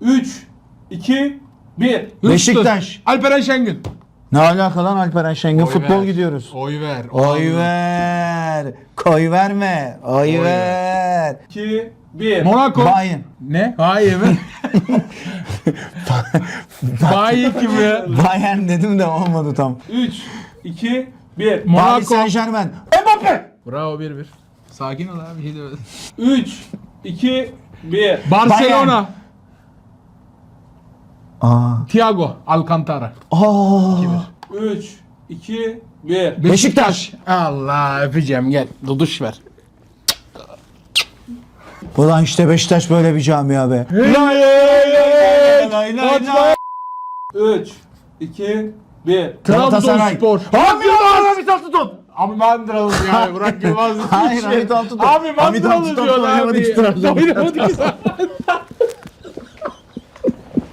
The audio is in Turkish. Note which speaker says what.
Speaker 1: 3, 2, 1.
Speaker 2: Beşiktaş.
Speaker 3: Alperen Şengün.
Speaker 2: Ne alaka lan Alperen Şengün?
Speaker 3: Oy
Speaker 2: Futbol
Speaker 3: ver.
Speaker 2: gidiyoruz.
Speaker 3: Oy ver.
Speaker 2: Oy ver. Koy verme. Oy ver.
Speaker 1: 2, 1.
Speaker 3: Monaco.
Speaker 2: Bayern.
Speaker 3: Ne? Hayır mi? Bayi kim ya?
Speaker 2: Bayern dedim de olmadı tam.
Speaker 1: 3, 2, 1.
Speaker 2: Paris
Speaker 3: Monaco.
Speaker 2: Saint Germain. Mbappe.
Speaker 3: Bravo 1-1. Sakin ol abi. Bir şey demedim.
Speaker 1: 3, 2, 1.
Speaker 3: Barcelona.
Speaker 2: Aa.
Speaker 3: Thiago Alcantara.
Speaker 2: Aa.
Speaker 1: 3, 2, 1.
Speaker 2: Beşiktaş.
Speaker 3: Allah öpeceğim gel. Duduş ver.
Speaker 2: Ulan işte Beşiktaş böyle bir camia be.
Speaker 3: Lay
Speaker 2: lay lay lay.
Speaker 1: 3, 2, 1.
Speaker 2: Galatasaray.
Speaker 3: Trabzonspor.
Speaker 2: Hamit Altıntop.
Speaker 3: Abi Mandralı ya. Burak Yılmaz.
Speaker 2: Hayır Hamit Altıntop.
Speaker 3: Abi
Speaker 2: Hamit
Speaker 3: Mandralı
Speaker 2: Altıntop
Speaker 3: diyor
Speaker 2: oynamadı ki
Speaker 3: abi.
Speaker 2: Trabzonspor.
Speaker 3: Oynamadı ki